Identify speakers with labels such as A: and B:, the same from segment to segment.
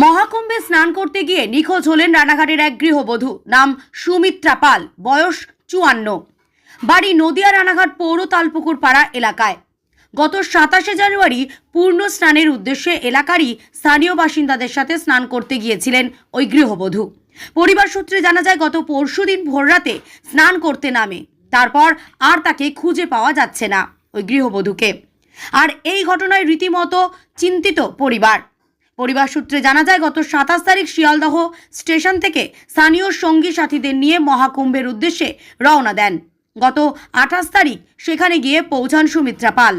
A: মহাকুম্ভে স্নান করতে গিয়ে নিখোঁজ হলেন রানাঘাটের এক গৃহবধূ। নাম সুমিত্রা পাল, বয়স 54, বাড়ি নদিয়া রানাঘাট পৌর তালপুকুর পাড়া এলাকায়। গত 27শে জানুয়ারি পূর্ণ স্নানের উদ্দেশ্যে এলাকারই স্থানীয় বাসিন্দাদের সাথে স্নান করতে গিয়েছিলেন ওই গৃহবধূ। পরিবার সূত্রে জানা যায়, গত পরশুদিন ভোররাতে স্নান করতে নামে, তারপর আর তাকে খুঁজে পাওয়া যাচ্ছে না ওই গৃহবধূকে। আর এই ঘটনায় রীতিমতো চিন্তিত পরিবার সূত্রে জানা যায়, গত 27 তারিখ শিয়ালদহ স্টেশন থেকে স্থানীয় সঙ্গী সাথীদের নিয়ে মহাকুম্ভের উদ্দেশ্যে রওনা দেন। গত 28 তারিখ সেখানে গিয়ে পৌঁছান সুমিত্রা পাল।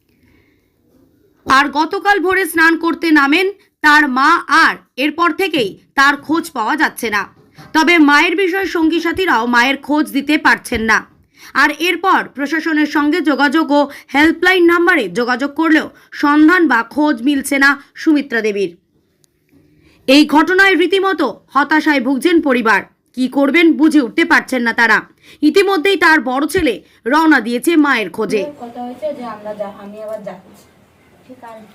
A: আর গতকাল ভোরে স্নান করতে নামেন তার মা, আর এরপর থেকেই তার খোঁজ পাওয়া যাচ্ছে না। তবে মায়ের বিষয়ে সঙ্গী সাথীরাও মায়ের খোঁজ দিতে পারছেন না। আর এরপর প্রশাসনের সঙ্গে যোগাযোগ ও হেল্পলাইন নাম্বারে যোগাযোগ করলেও সন্ধান বা খোঁজ মিলছে না সুমিত্রা দেবীর। এই ঘটনায় রীতিমতো হতাশায় ভুগছেন পরিবার। কি করবেন বুঝে উঠতে পারছেন না তারা। ইতিমধ্যেই তার বড় ছেলে রওনা দিয়েছে মায়ের খোঁজে।
B: কথা হয়েছে যে আমি আবার যাচ্ছি, ঠিক আছে।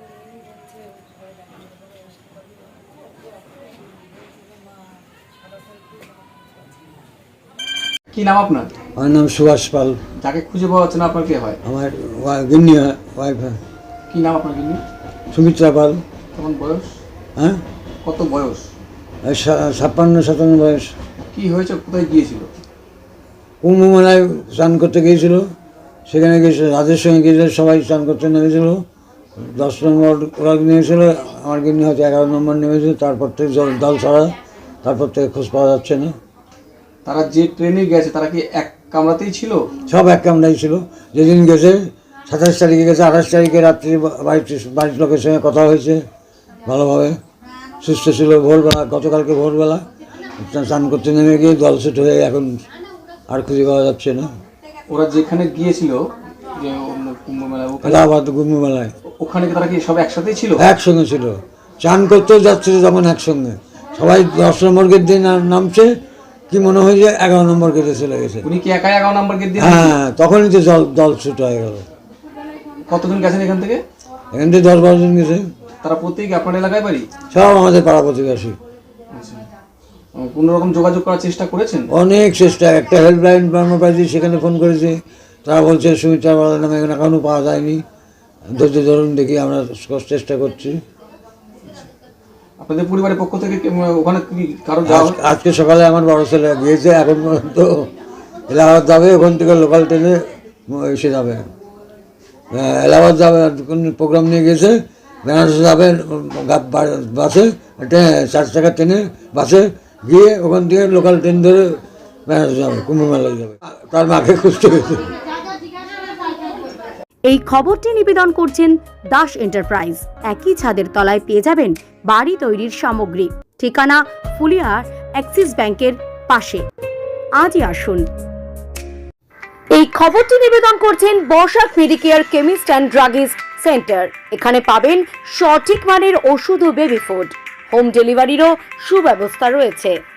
C: কি নাম আপনার?
D: আমার নাম সুভাষ পাল।
C: যাকে খুঁজে পাওয়া যাচ্ছে না আপনার কে হয়?
D: আমার গিন্নি ওয়াইফ।
C: কি নাম আপনার গিন্নি?
D: সুমিত্রা পাল।
C: তখন বয়স?
D: হ্যাঁ,
C: কত বয়স?
D: 56-57 বয়স।
C: কি হয়েছে, কোথায় গিয়েছিল?
D: কুম্ভ মেলায় স্নান করতে গিয়েছিল, সেখানে গিয়েছিল, রাজের সঙ্গে গিয়েছিল, সবাই স্নান করতে নেমেছিল। 10 নম্বর ওরা নেমেছিল, আমার গিন্নি হয়তো 11 নম্বর নেমেছিল। তারপর থেকে দল ছাড়া, তারপর থেকে খোঁজ পাওয়া যাচ্ছে না।
C: তারা যে ট্রেনে গেছে তারা কি এক কামরাতেই ছিল?
D: সব এক কামরাই ছিল। যেদিন গেছে 27 তারিখে গেছে, 28 তারিখে রাত্রি বাড়ির লোকের সঙ্গে কথা হয়েছে, ভালোভাবে সুস্থ ছিল। ভোরবেলা, গতকালকে ভোরবেলা স্নান করতে নেমে গিয়ে দলছুট হয়ে এখন আর খুঁজে পাওয়া যাচ্ছে না।
C: ওরা যেখানে গিয়েছিল, যে কুম্ভ মেলা,
D: এলাহাবাদ কুম্ভ মেলায়,
C: ওখানে তারা কি সব একসাথেই ছিল?
D: একসঙ্গে ছিল। চান করতেও যাচ্ছিল যখন একসঙ্গে, সবাই 10 নম্বর গেট দিয়ে নামছে, কি মনে হয় যে 11 নম্বর গেটে চলে গেছে।
C: উনি কি একাই 11 নম্বর গেট দিয়ে?
D: হ্যাঁ, তখনই তো দল ছুট হয়ে গেল।
C: কতদিন গেছেন এখান থেকে?
D: এখান থেকে 10-12 জন গেছে।
C: তারা প্রত্যেকে আপনার এলাকায় বাড়ি?
D: সব আমাদের পাড়া প্রতিবেশী।
C: কোনো রকম যোগাযোগ করার চেষ্টা করেছেন?
D: অনেক চেষ্টা। একটা হেল্পলাইন নাম্বার পাইছি, সেখানে ফোন করেছে, তারা বলছে সুমিত্রা পালের নামে এখানে এখনও পাওয়া যায়নি, ধৈর্য ধরুন, দেখি আমরা চেষ্টা করছি।
C: আপনাদের পরিবারের পক্ষ থেকে ওখানে কি কারো যাওয়া?
D: আজকে সকালে আমার বড় ছেলে গিয়েছে, এখন পর্যন্ত এলাহাবাদ যাবে, ওখান থেকে লোকাল ট্রেনে এসে যাবে। এলাহাবাদ যাবে, প্রোগ্রাম নিয়ে গেছে, বেনারস যাবে বাসে, 4 চাকার ট্রেনে, বাসে গিয়ে ওখান থেকে লোকাল ট্রেন ধরে বেনারস যাবে, কুম্ভ মেলায় যাবে। তার মাকে খুঁজতে গেছে।
A: এই খবরটি নিবেদন করছেন দাস এন্টারপ্রাইজ। একই ছাদের তলায় পেয়ে যাবেন বাড়ি তৈরির সামগ্রী। ঠিকানা ফুলিয়ার অ্যাক্সিস ব্যাংকের পাশে। আজই আসুন। এই খবরটি নিবেদন করছেন বর্ষাক Medicare chemist and druggist centre. এখানে পাবেন সঠিক মানের ওষুধ ও বেবি ফুড। হোম ডেলিভারিরও সুব্যবস্থা রয়েছে।